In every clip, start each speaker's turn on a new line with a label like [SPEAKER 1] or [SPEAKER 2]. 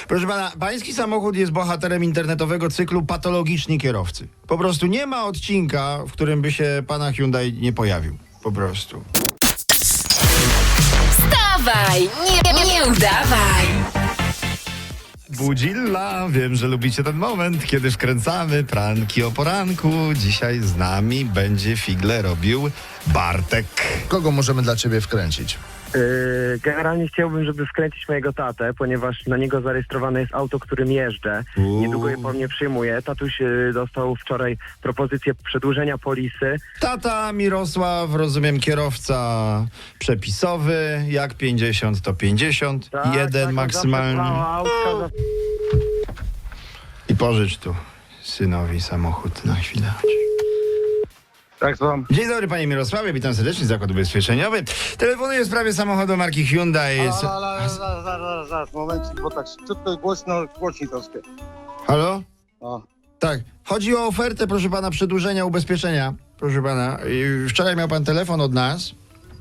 [SPEAKER 1] Proszę pana, pański samochód jest bohaterem internetowego cyklu Patologiczni Kierowcy. Po prostu nie ma odcinka, w którym by się pana Hyundai nie pojawił. Po prostu.
[SPEAKER 2] Wstawaj, nie udawaj.
[SPEAKER 1] Budzilla, wiem, że lubicie ten moment, kiedy wkręcamy pranki o poranku. Dzisiaj z nami będzie figle robił Bartek.
[SPEAKER 3] Kogo możemy dla ciebie wkręcić?
[SPEAKER 4] Generalnie chciałbym, żeby wkręcić mojego tatę, ponieważ na niego zarejestrowane jest auto, którym jeżdżę. Niedługo je po mnie przyjmuje. Tatuś dostał wczoraj propozycję przedłużenia polisy.
[SPEAKER 1] Tata Mirosław, rozumiem, kierowca przepisowy, jak 50 to 50, jeden maksymalnie. I pożycz tu synowi samochód na chwilę.
[SPEAKER 4] Tak, słucham.
[SPEAKER 1] Dzień dobry, panie Mirosławie, witam serdecznie, Zakład Ubezpieczeniowy. Telefonuję w sprawie samochodu marki Hyundai.
[SPEAKER 5] Ale, zaraz, momencik, bo tak szybko i głośno, głośniej troszkę.
[SPEAKER 1] Halo?
[SPEAKER 5] O.
[SPEAKER 1] Tak, chodzi o ofertę, proszę pana, przedłużenia ubezpieczenia. Proszę pana, wczoraj miał pan telefon od nas.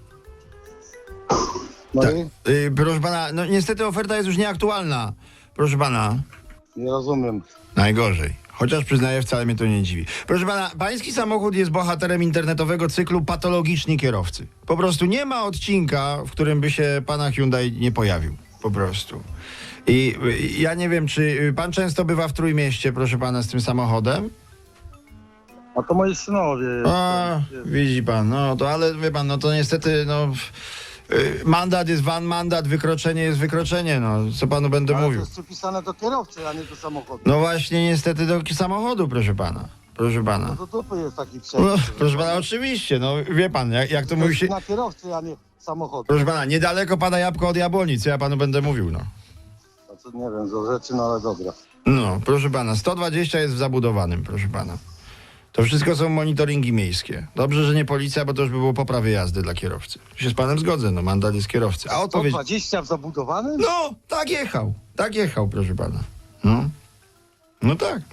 [SPEAKER 5] No
[SPEAKER 1] Tak.
[SPEAKER 5] i?
[SPEAKER 1] Proszę pana, no niestety oferta jest już nieaktualna. Proszę pana,
[SPEAKER 5] Nie rozumiem.
[SPEAKER 1] najgorzej. Chociaż przyznaję, wcale mnie to nie dziwi. Proszę pana, pański samochód jest bohaterem internetowego cyklu Patologiczni Kierowcy. Po prostu nie ma odcinka, w którym by się pana Hyundai nie pojawił. Po prostu. I ja nie wiem, czy pan często bywa w Trójmieście, proszę pana, z tym samochodem?
[SPEAKER 5] A to moi synowie.
[SPEAKER 1] A, widzi pan, no to ale wie pan, no to niestety, no mandat jest mandat, wykroczenie jest wykroczenie, no co panu będę
[SPEAKER 5] Ale to
[SPEAKER 1] mówił.
[SPEAKER 5] jest przypisane do kierowcy, a nie do samochodu.
[SPEAKER 1] No właśnie niestety do samochodu, proszę pana. Proszę pana.
[SPEAKER 5] No to dupy jest taki
[SPEAKER 1] No,
[SPEAKER 5] przepis.
[SPEAKER 1] proszę pana, oczywiście, no wie pan, jak to mówi się.
[SPEAKER 5] Na kierowcy, a nie samochodu.
[SPEAKER 1] Proszę pana, niedaleko pada jabłko od jabłoni, co ja panu będę mówił, no.
[SPEAKER 5] A co, nie wiem, za rzeczy, no ale dobra.
[SPEAKER 1] No, proszę pana, 120 jest w zabudowanym, proszę pana. To wszystko są monitoringi miejskie. Dobrze, że nie policja, bo to już by było poprawy jazdy dla kierowcy. Tu się z panem zgodzę, no mandat jest kierowcy. A odpowiedź...
[SPEAKER 5] 120 w zabudowanym?
[SPEAKER 1] No, tak jechał, proszę pana. No, no tak.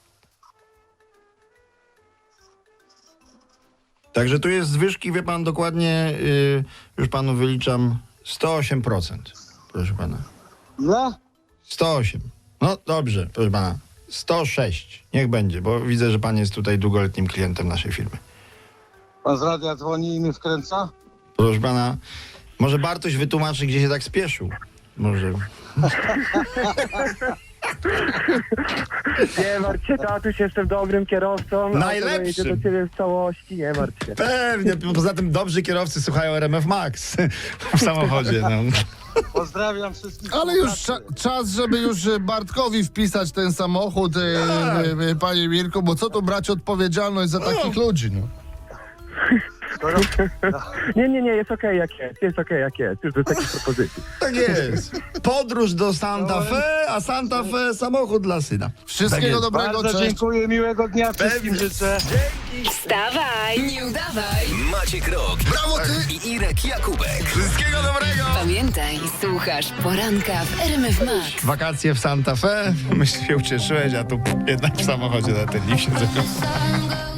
[SPEAKER 1] Także tu jest zwyżki, wie pan, dokładnie, już panu wyliczam, 108%, proszę pana.
[SPEAKER 5] Ile?
[SPEAKER 1] 108. No dobrze, proszę pana. 106. Niech będzie, bo widzę, że pan jest tutaj długoletnim klientem naszej firmy.
[SPEAKER 5] Pan z radia dzwoni i mnie wkręca?
[SPEAKER 1] Proszę pana, może Bartoś wytłumaczy, gdzie się tak spieszył. Może...
[SPEAKER 4] Nie martw się, tatuś, jestem dobrym kierowcą.
[SPEAKER 1] Najlepszym.
[SPEAKER 4] Auto dojedzie do ciebie w całości, nie martw się.
[SPEAKER 1] Pewnie, poza tym dobrzy kierowcy słuchają RMF Max w samochodzie. No.
[SPEAKER 5] Pozdrawiam wszystkich.
[SPEAKER 3] Ale już
[SPEAKER 5] współpracy.
[SPEAKER 3] czas, żeby już Bartkowi wpisać ten samochód, panie Mirku, bo co tu brać odpowiedzialność za takich ludzi, no.
[SPEAKER 4] Nie, jest okej jak jest, już bez takich propozycji.
[SPEAKER 1] Tak jest. Podróż do Santa Fe, a Santa Fe samochód dla syna.
[SPEAKER 3] Wszystkiego
[SPEAKER 1] jest.
[SPEAKER 3] dobrego,
[SPEAKER 5] Bardzo
[SPEAKER 3] cześć.
[SPEAKER 5] dziękuję, miłego dnia wszystkim
[SPEAKER 1] Pewnie.
[SPEAKER 5] życzę.
[SPEAKER 2] Wstawaj, nie udawaj.
[SPEAKER 6] Maciek Rok. Brawo ty! I Irek Jakubek.
[SPEAKER 1] Wszystkiego dobrego.
[SPEAKER 2] Pamiętaj, słuchasz poranka w RMF Max.
[SPEAKER 1] Wakacje w Santa Fe. Myślę, się ucieszyłeś, a tu jednak w samochodzie na ten lift siedzę.